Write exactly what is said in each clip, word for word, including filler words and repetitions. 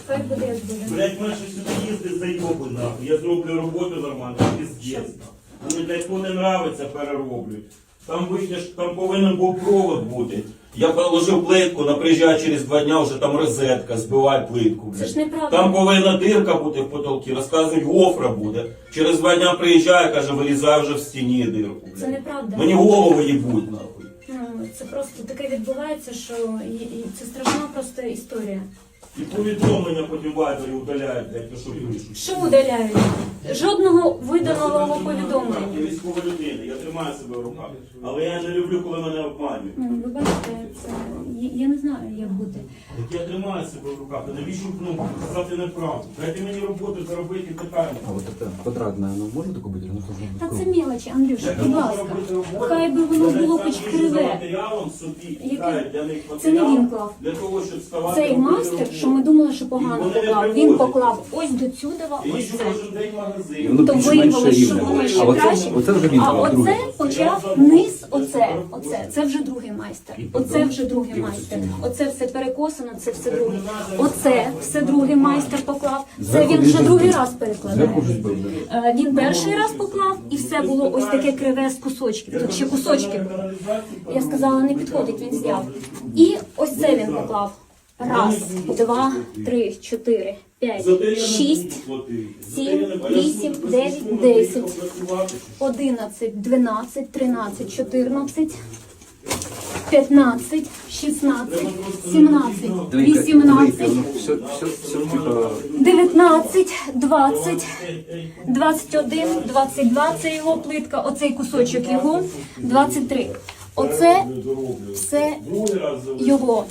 Хай буде як буде. Блять, мене ще сюди їздить зайоби, нахуй. Я зроблю роботу нормально, піздець. Мені, блядь, хто не нравиться, перероблюють. Там вийдеш, там повинен був провод бути. Я положив плитку, на приїжджає через два дня, вже там розетка, збивай плитку. Це ж неправда. Там повинна дирка бути в потолці, розказують, гофра буде. Через два дня приїжджає, каже, вирізай вже в стіні дирку. Блядь. Це неправда. Мені голову їбуть, нахуй. Ну, це просто таке відбувається, що і, і це страшна просто історія. І повідомлення потім вайбері удаляють, блядь, то що пишуть. Що удаляють? Жодного виданого повідомлення. Я військова людина, я тримаю себе в руках. Але я не люблю, коли мене обманюють. Ну, ви бачите, це я, я не знаю, як бути. Так я тримаю себе в руках, а навіщо ну, сказати неправду? Дайте мені роботу заробити і питання. А вот это квадратное, оно может такое быть? Или оно должно быть Та це круглое? мелочі, Андрюша, Я будь можу ласка. робити роботу, Хай би воно але було сам хоч їжджу за криве. матеріалом собі, Який? кидаю для них Це не матеріал, він клав. для того, щоб ставати Цей робити майстер, роботу. що ми думали, що погано І вони не поклав, він привозять. поклав ось до цюдова, Я ось їжджу це. кожен день в І магазин. воно То більш-менше виявилось, що рівне. воно ще А оце, краще. оце вже він А клав, другий. оце почав низ, оце, оце, це вже другий майстер. Оце вже другий майстер. Оце все перекосано, це все друге. Оце все другий майстер поклав. Це Зверху він він вже же другий збив. раз перекладає. Зверху вже збив. Е, Він перший раз поклав і все було ось таке криве з кусочків. Тут ще кусочки були. Я сказала, не підходить, він зняв. І ось це він поклав. Раз, два, три, чотири, п'ять, шість, сім, вісім, дев'ять, десять, одинадцять, дванадцять, тринадцять, чотирнадцять, п'ятнадцять, шістнадцять, сімнадцять, вісімнадцять, Все, все, все, типа, дев'ятнадцять, двадцять, двадцять один, двадцять два – це його плитка, оцей кусочок його, двадцять три. Оце все його.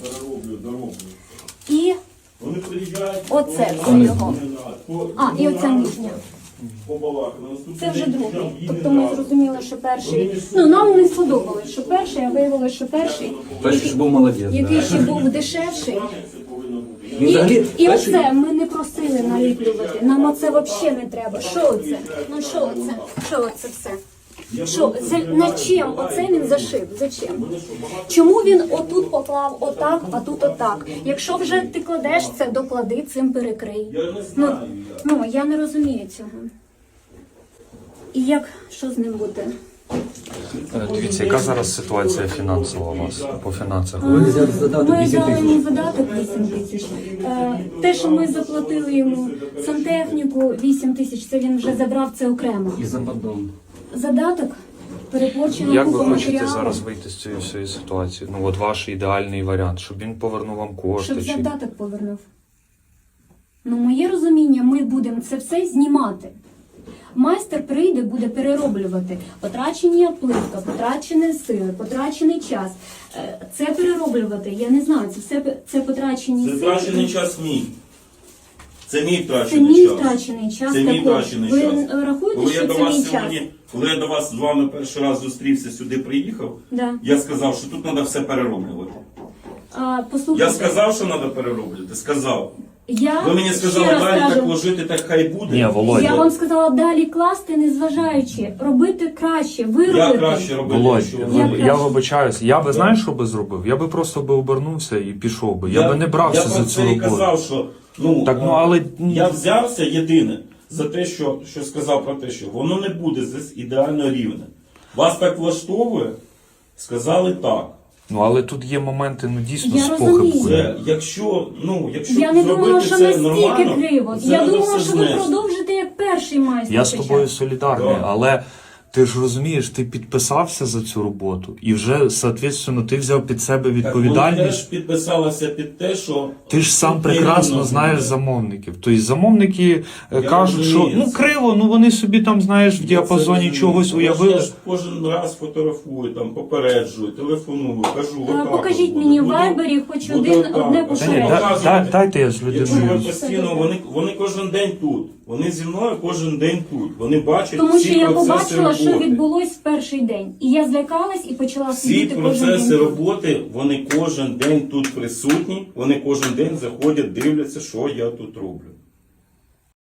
І оце все його. А, і оця нижня. Це вже другий. Тобто ми зрозуміли, що перший... Ну, нам не сподобалось, що перший, а виявилося, що перший, перший ж був молодець. який да. ще був дешевший. Він І, взагалі і перший- оце ми не просили наліплювати. Нам оце взагалі не треба. Що оце? Ну що оце? Що оце все? Що, за, на чим оце він зашив? Зачем? Чому він отут поклав отак, а тут отак? Якщо вже ти кладеш це, доклади, цим перекрий. Я не Ну, знаю. ну я не розумію цього. І як, що з ним буде? Е, Дивіться, яка зараз ситуація фінансова у вас по фінансах? Ви взяли задаток Ми вісім дали тисяч. йому задаток вісім тисяч. Е, Те, що ми заплатили йому сантехніку вісім тисяч, це він вже забрав це окремо. І за поддон. Задаток переплачено Як ви купу хочете матеріалу, зараз вийти з цієї всієї ситуації? Ну от ваш ідеальний варіант, щоб він повернув вам кошти. щоб Чи... задаток повернув. Ну, моє розуміння, ми будемо це все знімати. Майстер прийде, буде перероблювати. Потрачення плитка, потрачені сили, потрачений час. Е, Це перероблювати, я не знаю, це все це потрачені Це сили. втрачений час мій. Це мій Це втрачений мій час. втрачений час Це мій також. втрачений Ви час. е, рахуєте, Коли я що до це мій вас час? сьогодні, коли я до вас з вами перший раз зустрівся, сюди приїхав, Да. я сказав, що тут треба все перероблювати. А, послухайте, Я сказав, що треба перероблювати. Сказав. я Ви мені сказали, ще раз далі кажу, так ложити, так хай буде. Ні, Володя. я вам сказала далі класти, незважаючи, робити краще, Я виробити. краще робити, Володь, що Я я, ви. я вибачаюсь, я би знаєш, що би зробив? Я би просто би обернувся і пішов би. Я, би не брався я за про цю це і роботу. казав, що ну, Так, ну, а, але- я взявся єдине за те, що, що сказав про те, що воно не буде здесь ідеально рівне. Вас так влаштовує? Сказали так. Ну але тут є моменти, ну дійсно Я з розумію. похибкою. Це, якщо, ну, якщо Я не зробити думала, що це настільки нормально, криво. це Я треба думала, все що ви знести. продовжите як перший майстер. Я з почав. тобою солідарний, Да. але ти ж розумієш, ти підписався за цю роботу і вже, соответственно, ти взяв під себе Так, вони відповідальність. теж підписалися під те, що... Ти ж сам тут прекрасно нерівно знаєш буде. замовників. Тобто замовники е, Я кажуть, що розумію ну це. криво, ну вони собі там, знаєш, в Я діапазоні це розумію. чогось Тому що уявили. Я ж кожен раз фотографую, там, попереджую, телефоную, кажу, Е, отак Покажіть от мені в буде. Вайбері хоч Буде один, отак. одне А Та ні, попередження. показують. да- да- дайте я з Якщо ви людиною. постійно, вони, вони кожен день тут. Вони зі мною кожен день тут. Вони бачать Тому всі що я процеси побачила, що роботи. відбулось в перший день. І я злякалась і почала Всі сидіти кожен процеси день. роботи, вони кожен день тут присутні, вони кожен день заходять, дивляться, що я тут роблю.